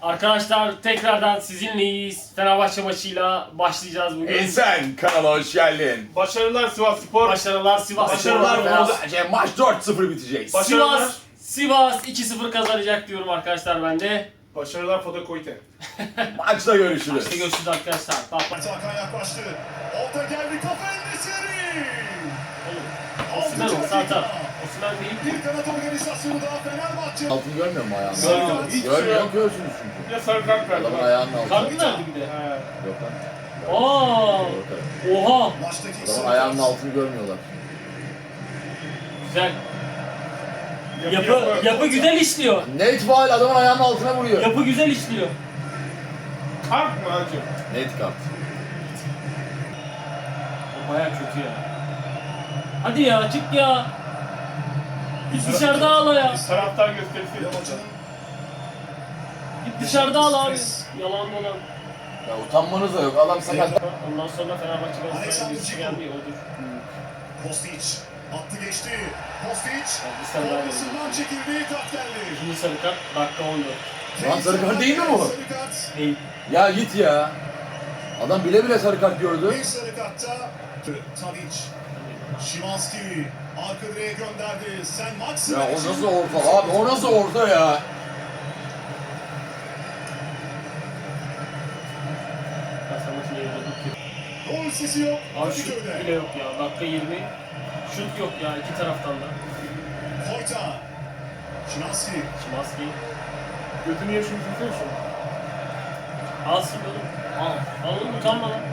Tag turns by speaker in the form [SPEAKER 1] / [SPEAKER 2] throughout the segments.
[SPEAKER 1] Arkadaşlar tekrardan sizinleyiz. Fenerbahçe maçıyla başlayacağız bugün.
[SPEAKER 2] Ensen kanala hoş geldin.
[SPEAKER 3] Başarılar Sivasspor.
[SPEAKER 1] Başarılar Sivas.
[SPEAKER 3] Başarılar
[SPEAKER 2] Maç 4-0 bitecek.
[SPEAKER 3] Başarılar.
[SPEAKER 1] Sivas 2-0 kazanacak diyorum arkadaşlar ben de.
[SPEAKER 3] Başarılar Foda Koyte.
[SPEAKER 2] Maçta görüşürüz.
[SPEAKER 1] İşte görüşürüz arkadaşlar. Bak bak.
[SPEAKER 4] Hakan yaklaştı. Orta geldi kafa Enesiri.
[SPEAKER 1] Osimhen olsa atar. Osimhen değil.
[SPEAKER 4] Bir kanat organizasyonu daha Fenerbahçe.
[SPEAKER 2] Altını görmüyor mu ayağını?
[SPEAKER 1] Görmüyorum.
[SPEAKER 3] Hiç
[SPEAKER 2] Görmüyor
[SPEAKER 3] yok.
[SPEAKER 2] görsünüz çünkü.
[SPEAKER 3] Bir de sarı kart verdi.
[SPEAKER 2] Adamın ayağının altı.
[SPEAKER 1] Kart mı verdi bir de?
[SPEAKER 3] He.
[SPEAKER 2] Yok lan.
[SPEAKER 1] Aa! Oha!
[SPEAKER 4] Maçtaki
[SPEAKER 2] Adamın ayağının altını görmüyorlar.
[SPEAKER 1] Güzel. Yapı güzel işliyor.
[SPEAKER 2] Net faal adamın ayağının altına vuruyor.
[SPEAKER 1] Yapı güzel işliyor.
[SPEAKER 3] Kart mı hacı?
[SPEAKER 2] Net kart.
[SPEAKER 1] O baya kötü ya. Hadi ya çık ya. Git dışarıda ağla ya.
[SPEAKER 3] Taraftar gösterisi.
[SPEAKER 4] Yamacı'nın
[SPEAKER 1] Git dışarıda ağla abi. Yalan dolan.
[SPEAKER 2] Ya utanmanız da yok. Adam sakat.
[SPEAKER 1] Ondan sonra Fenerbahçe Galatasaray'ın birisi gelmiyor odur.
[SPEAKER 4] Kostić attı geçti. Kostić
[SPEAKER 1] bir sen daha
[SPEAKER 4] formasından çekildi, kart geldi.
[SPEAKER 1] İkinci sarı kart dakika 14.
[SPEAKER 2] Lan sarı kart değil mi bu?
[SPEAKER 4] Sarı kart.
[SPEAKER 1] Değil.
[SPEAKER 2] Ya git ya. Adam bile bile sarı kart gördü.
[SPEAKER 4] Bir sarı kartta Tadic. Szymański arka direğe gönderdi. Sen Maximen
[SPEAKER 2] Ya o
[SPEAKER 4] için-
[SPEAKER 2] nasıl orta abi? O nasıl orta ya?
[SPEAKER 1] Ben maçın yerinde dur ki.
[SPEAKER 4] Gol sesi yok.
[SPEAKER 1] Abi şut
[SPEAKER 4] Kadıköy'de.
[SPEAKER 1] bile yok ya. Dakika 20. Şut yok ya iki taraftan da.
[SPEAKER 4] Koyta. Szymański.
[SPEAKER 1] Şimanski.
[SPEAKER 3] Götünü yaşını tutuyor şu.
[SPEAKER 1] Alsın oğlum. Al. Al oğlum utanma lan.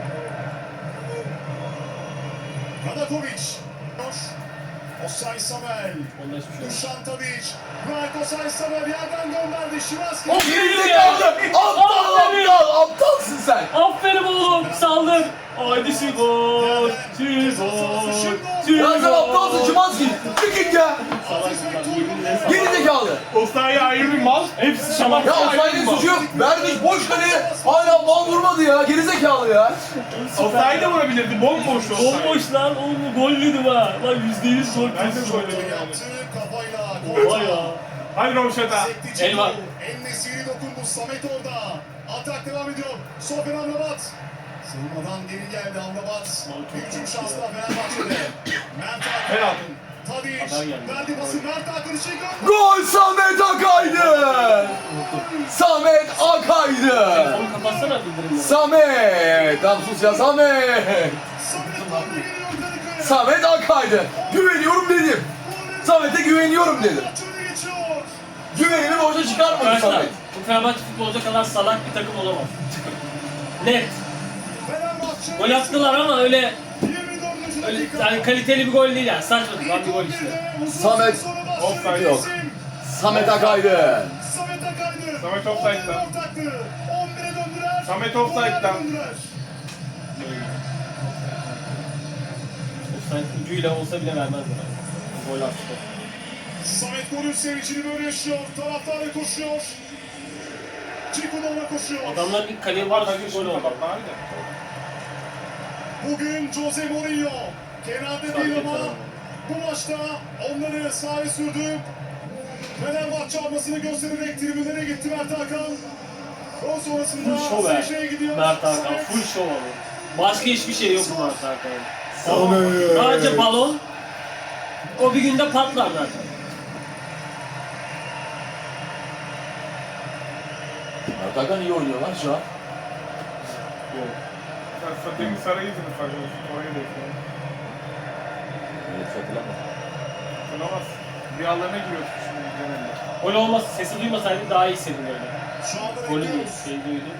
[SPEAKER 4] Radakovic. Osay Samuel.
[SPEAKER 1] Onda hiçbir şey yok.
[SPEAKER 4] Dušan Tadic. Bırak Osay Samuel yerden gönderdi. Szymański.
[SPEAKER 1] Of!
[SPEAKER 2] Gerizekalı! Aptal! Aptalsın sen!
[SPEAKER 1] Aferin oğlum saldır. Haydi Sivas.
[SPEAKER 2] Ya sen aptalsın Szymański! Çıkın ya!
[SPEAKER 1] Salak bunlar, yeminle salak.
[SPEAKER 2] Gerizekalı!
[SPEAKER 3] Osayi ayrı bir mal.
[SPEAKER 1] Hepsi şamak.
[SPEAKER 2] Ya Osayi'nin suçu yok. Vermiş boş kaleye hala bal vurmadı ya. Gerizekalı ya.
[SPEAKER 3] Osayi de vurabilirdi. Bomboştu Osayi.
[SPEAKER 1] Bomboş lan oğlum gol yedim ha. Lan %100 gol
[SPEAKER 3] Ben de
[SPEAKER 1] kesin.
[SPEAKER 3] gol
[SPEAKER 4] Kontrol
[SPEAKER 3] yedim yani.
[SPEAKER 4] yaptı kafayla.
[SPEAKER 1] Vay ya.
[SPEAKER 3] Hadi Romşat'a.
[SPEAKER 4] Sekti
[SPEAKER 1] El var.
[SPEAKER 4] En-Nesyri dokundu. Samet orada. Atak devam ediyor. Sofian Amrabat. Savunmadan geri geldi Amrabat. Bir hücum şansı daha Fenerbahçe'de. Mert
[SPEAKER 3] Penaltı.
[SPEAKER 4] Hakan. Tadic.
[SPEAKER 1] Haber geldi.
[SPEAKER 4] Verdi pası Mert Hakan için gönderdi.
[SPEAKER 2] Gol Samet Akay'dı. Samet Akay'dı.
[SPEAKER 1] Telefonu kapatsana bildirimleri.
[SPEAKER 2] Samet. Tamam sus ya Samet.
[SPEAKER 4] Samet golü geliyor Kadıköy'e.
[SPEAKER 2] Samet Akay'dı. Güveniyorum dedim. Samet'e güveniyorum dedim.
[SPEAKER 4] Maç öne geçiyor.
[SPEAKER 2] Güvenimi boşa çıkarmadı
[SPEAKER 1] Arkadaşlar
[SPEAKER 2] Samet.
[SPEAKER 1] bu Fenerbahçe futbolcu kadar salak bir takım olamaz. Net.
[SPEAKER 4] Fenerbahçe.
[SPEAKER 1] Gol attılar ama öyle
[SPEAKER 4] 24.
[SPEAKER 1] öyle
[SPEAKER 4] dakika.
[SPEAKER 1] yani kaliteli bir gol değil yani. Saçma sapan bir gol işte.
[SPEAKER 2] Samet.
[SPEAKER 3] Offside
[SPEAKER 2] yok. Samet Akay'dı.
[SPEAKER 4] Samet Akay'dı.
[SPEAKER 3] Samet offside'da.
[SPEAKER 4] 11'e döndüler.
[SPEAKER 3] Samet offside'da.
[SPEAKER 4] 11'e döndüler.
[SPEAKER 1] Offside ucuyla olsa bile vermezler. Gol attı.
[SPEAKER 4] Samet golün sevincini böyle yaşıyor. Taraftarı koşuyor. Çikunova koşuyor.
[SPEAKER 1] Adamlar ilk kaleye var da gol oldu.
[SPEAKER 3] Kapatma abi de.
[SPEAKER 4] Bugün Jose Mourinho kenarda değil ama bu maçta onları sahaya sürdü. Fenerbahçe almasını göstererek tribünlere gitti Mert Hakan. O sonrasında
[SPEAKER 1] Full show ver.
[SPEAKER 4] Seyşe'ye gidiyor.
[SPEAKER 1] Mert Hakan
[SPEAKER 4] Samet.
[SPEAKER 1] full show abi. Başka hiçbir şey yok bu Mert Hakan'ın.
[SPEAKER 2] Samet.
[SPEAKER 1] Sadece balon. O bir günde patlar zaten.
[SPEAKER 2] Mert Hakan iyi oynuyor lan şu an.
[SPEAKER 1] Yok.
[SPEAKER 3] Sen satayım Saray'ı sınıf oraya da ekleyin.
[SPEAKER 2] Evet hatırlama.
[SPEAKER 3] Sınavaz. Rüyalarına giriyorsun şimdi genelde.
[SPEAKER 1] Gol olmasa sesi duymasaydı daha iyi hissedin öyle.
[SPEAKER 4] Şu anda
[SPEAKER 1] Golü
[SPEAKER 4] bekliyoruz.
[SPEAKER 1] şey duydum.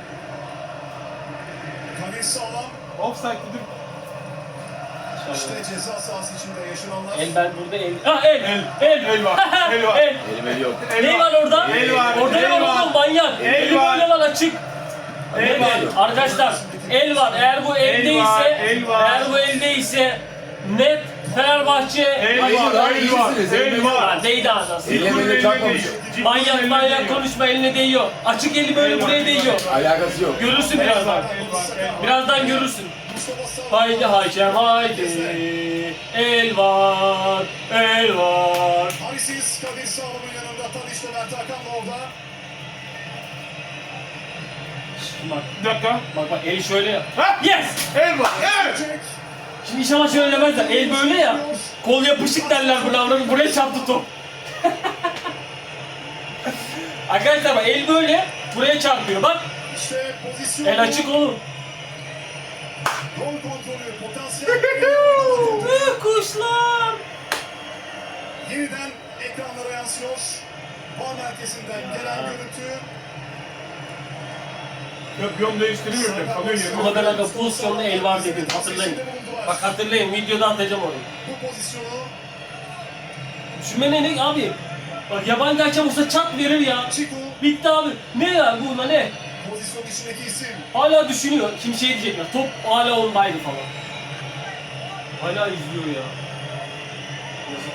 [SPEAKER 4] Kadir sağlam.
[SPEAKER 3] Offside dedim.
[SPEAKER 4] İşte ceza sahası içinde yaşananlar.
[SPEAKER 1] El ben burada el. Ha el.
[SPEAKER 3] El var. El var.
[SPEAKER 1] El.
[SPEAKER 2] Elim yok.
[SPEAKER 3] El
[SPEAKER 1] Ne var orada?
[SPEAKER 3] El var.
[SPEAKER 1] Orada ne
[SPEAKER 3] El
[SPEAKER 1] var
[SPEAKER 3] var.
[SPEAKER 1] oğlum manyak?
[SPEAKER 3] El
[SPEAKER 1] Eli
[SPEAKER 3] var.
[SPEAKER 1] böyle lan açık.
[SPEAKER 3] El var.
[SPEAKER 1] Arkadaşlar el var. Eğer bu eldeyse,
[SPEAKER 3] El var.
[SPEAKER 1] eğer bu eldeyse net Fenerbahçe.
[SPEAKER 3] El
[SPEAKER 2] Hayır,
[SPEAKER 3] var.
[SPEAKER 2] lan,
[SPEAKER 3] El var.
[SPEAKER 2] iyisiniz,
[SPEAKER 3] El var.
[SPEAKER 1] Lan değdi anasını.
[SPEAKER 2] Elle böyle çarpmamış.
[SPEAKER 1] Manyak konuşma eline değiyor. Açık eli böyle buraya değiyor.
[SPEAKER 2] Alakası yok.
[SPEAKER 1] Görürsün birazdan. Birazdan görürsün.
[SPEAKER 4] Mustafa Sağlam.
[SPEAKER 1] Haydi Hakem haydi. El var. El var.
[SPEAKER 4] Halisiz Kadir Sağlam'ın yanında Tadiç'le Mert Hakan da orada.
[SPEAKER 1] Bak
[SPEAKER 3] Bir dakika.
[SPEAKER 1] bak eli şöyle yap.
[SPEAKER 3] Ha?
[SPEAKER 1] Yes!
[SPEAKER 3] El var. Evet.
[SPEAKER 4] Çek.
[SPEAKER 1] Şimdi inşallah şöyle demezler. El böyle ya. Kol yapışık derler bu buraya çarptı top. Arkadaşlar bak el böyle buraya çarpıyor bak.
[SPEAKER 4] İşte pozisyon.
[SPEAKER 1] El açık oğlum.
[SPEAKER 4] Gol kontrolü, potansiyel.
[SPEAKER 1] Büyük kuşlar.
[SPEAKER 4] Yeniden ekranlara yansıyor. VAR merkezinden gelen görüntü.
[SPEAKER 3] Yön değiştiriyor ya. Kalıyor yerine.
[SPEAKER 1] Ama ben aga pozisyonda el var dedim hatırlayın. Bak hatırlayın videoda atacağım onu.
[SPEAKER 4] Bu pozisyonu
[SPEAKER 1] Düşünme ne abi? Bak yabancı hakem olsa çat verir ya.
[SPEAKER 4] Çiko
[SPEAKER 1] Bitti abi. Ne ya buna ne?
[SPEAKER 4] pozisyon içindeki isim.
[SPEAKER 1] Hala düşünüyor. Kim şey diyecekler. Top hala ondaydı falan. Hala izliyor ya. Yazık.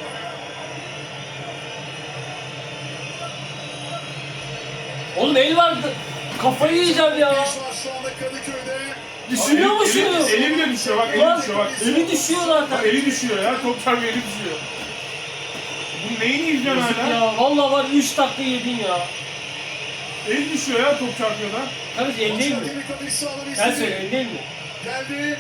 [SPEAKER 1] Oğlum el vardı. Kafayı yiyeceğim ya.
[SPEAKER 4] Genç var şu anda Kadıköy'de.
[SPEAKER 1] Düşünüyor mu şunu?
[SPEAKER 3] Eli bile düşüyor bak. Eli
[SPEAKER 1] Lan
[SPEAKER 3] düşüyor bak.
[SPEAKER 1] eli düşüyor zaten.
[SPEAKER 3] Bak eli düşüyor ya. Top çarpıyor eli düşüyor. Bu neyini izliyorsun
[SPEAKER 1] Yazık
[SPEAKER 3] hala?
[SPEAKER 1] ya. Vallahi var 3 dakika yedin ya.
[SPEAKER 3] Eli düşüyor ya top çarpıyor da.
[SPEAKER 1] Kardeş el değil mi? Sen söyle el değil mi?
[SPEAKER 4] Geldi.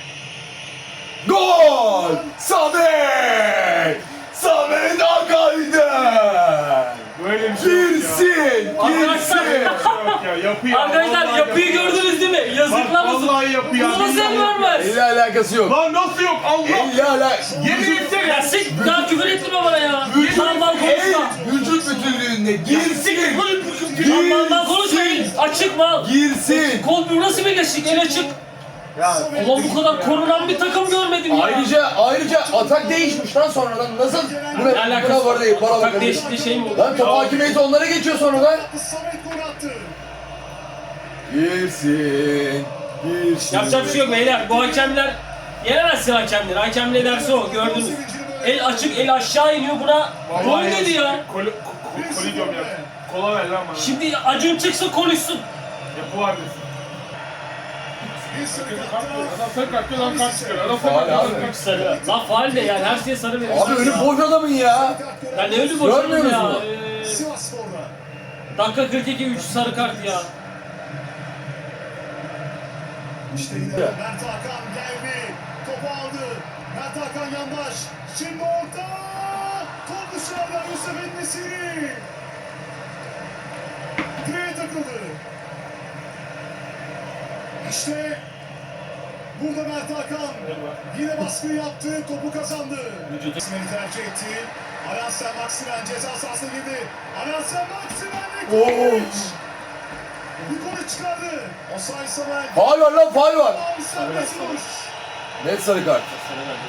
[SPEAKER 2] Gol! Samet! Samet Akaydın!
[SPEAKER 3] Böyle bir şey yok ya.
[SPEAKER 2] Girsin!
[SPEAKER 1] Arkadaşlar.
[SPEAKER 2] Girsin!
[SPEAKER 3] Yok ya yapıyor.
[SPEAKER 1] Arkadaşlar
[SPEAKER 3] Vallahi
[SPEAKER 1] yapıyı
[SPEAKER 3] yapıyor.
[SPEAKER 1] gördünüz değil mi? Yazıklar
[SPEAKER 3] Bak,
[SPEAKER 1] olsun.
[SPEAKER 3] vallahi yapıyor.
[SPEAKER 1] Bunu nasıl görmez?
[SPEAKER 2] Elle alakası yok.
[SPEAKER 3] Lan nasıl yok Allah?
[SPEAKER 2] Elle alakası
[SPEAKER 3] Yemin etsene.
[SPEAKER 1] Ya sik daha küfür ettirme bana ya. Sandal konuşma.
[SPEAKER 2] vücut bütünlüğünde girsin!
[SPEAKER 1] Sandaldan konuşma el. Açık mal.
[SPEAKER 2] Girsin!
[SPEAKER 1] Kol bu nasıl birleşik el açık.
[SPEAKER 2] Ya
[SPEAKER 1] Ulan bu kadar korunan bir takım görmedim ya.
[SPEAKER 2] ayrıca atak değişmiş lan sonradan. Nasıl?
[SPEAKER 1] Ne alakası
[SPEAKER 2] Buna var değil, para
[SPEAKER 1] Atak
[SPEAKER 2] bakın.
[SPEAKER 1] değişikliği şey mi oldu?
[SPEAKER 2] Lan top hakimiyeti onlara geçiyor sonradan.
[SPEAKER 4] Samet gol attı.
[SPEAKER 2] Girsin! Girsin!
[SPEAKER 1] Yapacak bir şey yok beyler. Bu hakemler yenemezsin hakemleri. Hakem ne derse o gördünüz. El açık el aşağı iniyor buna. Gol dedi ya.
[SPEAKER 3] Koli diyorum ya. Kola ver lan bana.
[SPEAKER 1] Şimdi Acun çıksın konuşsun.
[SPEAKER 3] Yapı var desin.
[SPEAKER 4] Bir sarı
[SPEAKER 3] Adam sarı kartıyor lan kart çıkıyor. Adam sarı
[SPEAKER 2] Faul
[SPEAKER 3] kartıyor.
[SPEAKER 2] abi.
[SPEAKER 1] Sarı. Lan faal de yani her şeye sarı verir.
[SPEAKER 2] Abi önü boş adamın ya.
[SPEAKER 1] Ya ne ölü boşanım
[SPEAKER 2] Görmüyoruz
[SPEAKER 1] ya.
[SPEAKER 2] mu?
[SPEAKER 4] Sivas Spor'da.
[SPEAKER 1] Dakika 42 3 sarı kart ya.
[SPEAKER 4] İşte yine Mert Hakan geldi. Topu aldı. Mert Hakan yandaş. Şimdi orta. Top dışarıda Yusuf Enesiri. Direğe takıldı. İşte burada Mert Hakan yine baskı yaptı. Topu kazandı.
[SPEAKER 1] Vücudu.
[SPEAKER 4] Maksimen'i tercih etti. Alansen Maksimen ceza sahasına girdi. Alansen Maksimen
[SPEAKER 2] Oo.
[SPEAKER 4] Nikolic. Nikolic çıkardı. Osay Samet.
[SPEAKER 2] Faul var lan faul var.
[SPEAKER 4] Serbest vuruş.
[SPEAKER 2] Net sarı kart.
[SPEAKER 1] Sarı verdi.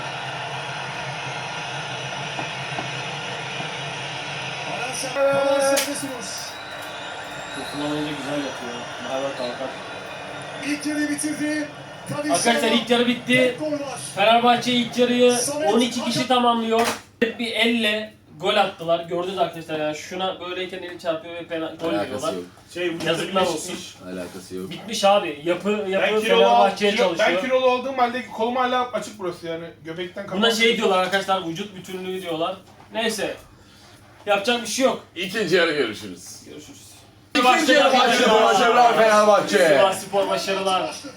[SPEAKER 4] Alansen serbest vuruş.
[SPEAKER 1] Kullanınca güzel yapıyor. Mahavet kalkar.
[SPEAKER 4] İlk yarıyı bitirdi.
[SPEAKER 1] Arkadaşlar ilk yarı bitti.
[SPEAKER 4] Gol var.
[SPEAKER 1] Fenerbahçe ilk yarıyı 12 kişi tamamlıyor. Bir elle gol attılar. Gördünüz arkadaşlar yani şuna böyleyken eli çarpıyor ve gol veriyorlar.
[SPEAKER 2] Alakası yok.
[SPEAKER 1] Yazıklar olsun.
[SPEAKER 2] Alakası yok.
[SPEAKER 1] Bitmiş abi. Yapı
[SPEAKER 3] Ben
[SPEAKER 1] Fenerbahçe'ye çalışıyor.
[SPEAKER 3] kilolu olduğum halde kolum hala açık burası yani. Göbekten
[SPEAKER 1] Buna şey diyorlar arkadaşlar vücut bütünlüğü diyorlar. Neyse. Yapacak bir şey yok.
[SPEAKER 2] İkinci yarı görüşürüz.
[SPEAKER 1] Görüşürüz.
[SPEAKER 2] İkinci yarı başladı. Başarılar Fenerbahçe.
[SPEAKER 1] Sivas Spor başarılar.
[SPEAKER 4] Başladı.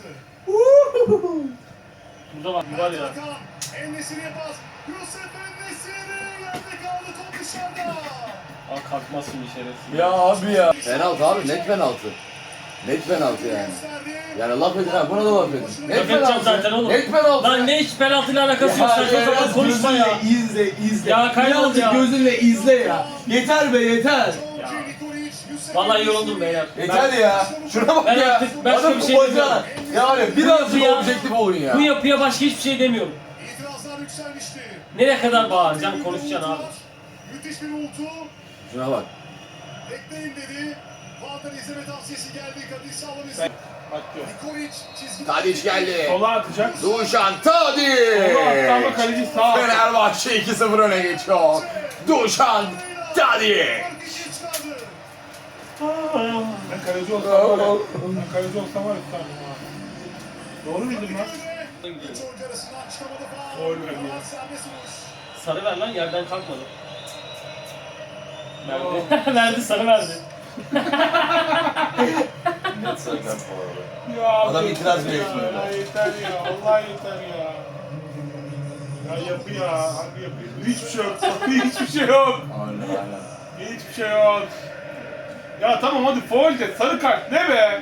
[SPEAKER 1] Burada var ya.
[SPEAKER 4] Hakan En-Nesyri'ye pas. Yusuf En-Nesyri yerde kaldı, top dışarıda.
[SPEAKER 1] Aa kalkmaz şimdi şerefsiz.
[SPEAKER 2] Ya abi ya. Penaltı abi net penaltı. Net penaltı yani.
[SPEAKER 4] Gösterdi.
[SPEAKER 2] Yani laf edin ha buna da laf edin. Net
[SPEAKER 1] Laf edeceğim
[SPEAKER 2] penaltı.
[SPEAKER 1] zaten oğlum.
[SPEAKER 2] Net penaltı.
[SPEAKER 1] Lan ne hiç penaltıyla alakası yok. Saçma sapan konuşma ya.
[SPEAKER 2] izle.
[SPEAKER 1] Ya kaybol
[SPEAKER 2] Birazcık
[SPEAKER 1] ya.
[SPEAKER 2] gözünle izle ya. Yeter be yeter.
[SPEAKER 4] Georgi Nikolic, Yusuf
[SPEAKER 1] Vallahi
[SPEAKER 4] En-Nesyri.
[SPEAKER 1] yoruldum beyler.
[SPEAKER 2] Yeter ya. Şuna bak
[SPEAKER 1] Ben
[SPEAKER 2] ya.
[SPEAKER 1] artık başka
[SPEAKER 2] Adam
[SPEAKER 1] bir şey
[SPEAKER 2] kupacı. Yani birazcık
[SPEAKER 1] yapıya-
[SPEAKER 2] objektif olun ya.
[SPEAKER 1] Bu yapıya başka hiçbir şey demiyorum.
[SPEAKER 4] İtirazlar yükselmişti.
[SPEAKER 1] Nereye kadar bağıracaksın, konuşacaksın abi.
[SPEAKER 4] Müthiş bir uğultu.
[SPEAKER 2] Şuna bak.
[SPEAKER 4] Bekleyin dedi. Vardan izleme tavsiyesi geldi. Kadir Sağlam izledi.
[SPEAKER 3] Bak diyor.
[SPEAKER 4] Nikolic çizgi.
[SPEAKER 2] Tadiç geldi.
[SPEAKER 3] Sola atacak.
[SPEAKER 2] Duşan Tadiç.
[SPEAKER 3] Sola attı ama kaleci sağa attı.
[SPEAKER 2] Fenerbahçe 2-0 öne geçiyor. Duşan Tadiç.
[SPEAKER 4] Çıkardı.
[SPEAKER 3] Ben kaleci olsam var ya. Ben kaleci olsam var ya tutardım ha. Doğru bildim lan.
[SPEAKER 4] Üç oyuncu arasından çıkamadı faul.
[SPEAKER 3] Gol verdi.
[SPEAKER 4] Karar serbest vuruş.
[SPEAKER 1] Sarı ver lan yerden kalkmadı. Verdi. Verdi sarı verdi.
[SPEAKER 2] Net sarı kart bu arada.
[SPEAKER 3] Ya
[SPEAKER 2] Adam
[SPEAKER 3] abi,
[SPEAKER 2] itiraz bile
[SPEAKER 3] ya,
[SPEAKER 2] etmiyor.
[SPEAKER 3] ya yeter ya. Allah yeter ya. Ya yapı ya. Harbi yapı. Hiçbir şey yok. Hiçbir şey yok.
[SPEAKER 2] Aynen.
[SPEAKER 3] Hiçbir şey yok. Ya tamam hadi faul de sarı kart ne be?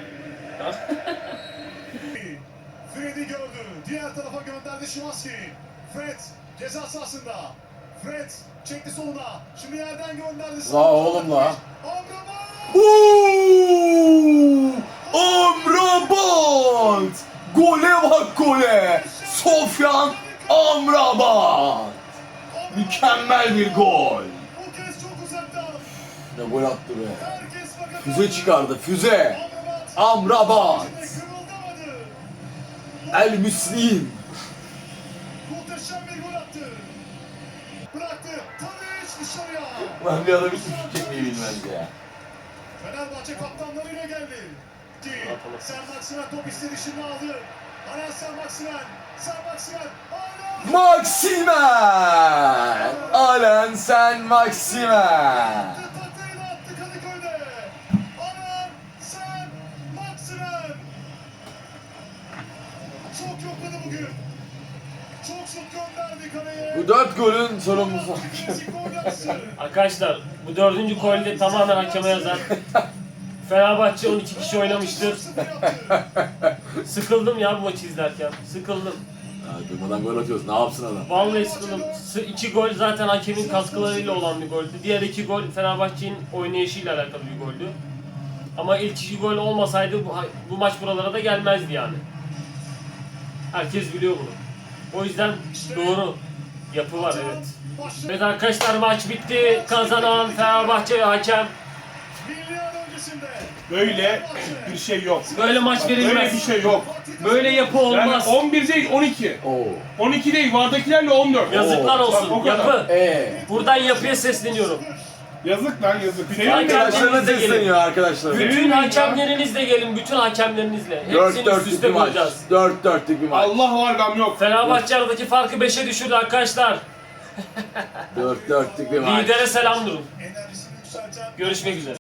[SPEAKER 4] Fred'i gördü. Diğer tarafa gönderdi Şimanski. Fred ceza sahasında. Fred çekti soluna. Şimdi yerden gönderdi.
[SPEAKER 2] La oğlum la.
[SPEAKER 4] Amrabat!
[SPEAKER 2] Uuuu! Amrabat! Gole bak gole! Sofyan Amrabat! Mükemmel bir gol.
[SPEAKER 4] Bu kez çok uzaktan.
[SPEAKER 2] Ne gol attı be.
[SPEAKER 4] Herkes fakat
[SPEAKER 2] Füze çıkardı, füze.
[SPEAKER 4] Amrabat.
[SPEAKER 2] Amrabat!
[SPEAKER 4] Kırıldamadı.
[SPEAKER 2] El Müslim.
[SPEAKER 4] Muhteşem bir gol attı. Bıraktı. Tadiç dışarıya.
[SPEAKER 2] Lan bir adam hiç şut çekmeyi bilmez ya.
[SPEAKER 4] Fenerbahçe kaptanlarıyla geldi. Ki Sen Maksimen top istedi şimdi aldı. Aran Sen Maksimen. Sen Maksimen. Aran.
[SPEAKER 2] Maximen! Alen sen Maximen!
[SPEAKER 4] Tahtayla attı Kadıköy'de. Aran Sen Maksimen. Çok yokladı bugün. Çok şut gönderdi kaleye.
[SPEAKER 2] Bu 4 golün sorumlusu.
[SPEAKER 4] Klasik gol yapısı.
[SPEAKER 1] Arkadaşlar bu 4. golde tamamen hakeme yazar. Fenerbahçe 12 kişi oynamıştır.
[SPEAKER 4] 0 yaptı.
[SPEAKER 1] Sıkıldım ya bu maçı izlerken. Sıkıldım.
[SPEAKER 2] Ya durmadan gol atıyoruz. Ne yapsın adam?
[SPEAKER 1] Vallahi sıkıldım. 2 gol zaten hakemin katkılarıyla olan bir goldü. Diğer 2 gol Fenerbahçe'nin oynayışıyla alakalı bir goldü. Ama ilk 2 gol olmasaydı bu maç buralara da gelmezdi yani. Herkes biliyor bunu. O yüzden doğru. Yapı var evet. Evet arkadaşlar maç bitti. Kazanan Fenerbahçe ve hakem.
[SPEAKER 4] Milli an öncesinde.
[SPEAKER 3] Böyle bir şey yok.
[SPEAKER 1] Böyle maç
[SPEAKER 3] Böyle bir
[SPEAKER 1] verilmez.
[SPEAKER 3] şey yok.
[SPEAKER 1] Böyle yapı
[SPEAKER 3] Yani
[SPEAKER 1] olmaz.
[SPEAKER 3] 11 değil 12.
[SPEAKER 2] Oo.
[SPEAKER 3] 12 değil vardakilerle 14.
[SPEAKER 1] Yazıklar
[SPEAKER 3] Bak, o
[SPEAKER 1] olsun.
[SPEAKER 3] kadar.
[SPEAKER 1] Yapı. Buradan yapıya sesleniyorum.
[SPEAKER 3] Yazık lan yazık. Senin
[SPEAKER 2] Arkadaşlarına
[SPEAKER 1] Kendinize gelin.
[SPEAKER 2] sesleniyor arkadaşlar.
[SPEAKER 3] Bütün
[SPEAKER 1] Bütün
[SPEAKER 3] ya.
[SPEAKER 1] hakemlerinizle gelin. Bütün hakemlerinizle.
[SPEAKER 2] 4
[SPEAKER 1] Hepsini üst
[SPEAKER 2] 4'lük
[SPEAKER 1] üste
[SPEAKER 2] bir maç.
[SPEAKER 1] koyacağız.
[SPEAKER 2] 4 4'lük bir maç.
[SPEAKER 3] Allah var gam yok.
[SPEAKER 1] Fenerbahçe aradaki farkı 5'e düşürdü arkadaşlar.
[SPEAKER 2] 4 4'lük bir maç.
[SPEAKER 1] Lidere selam durun.
[SPEAKER 4] Enerjisini yükselten
[SPEAKER 1] Görüşmek üzere.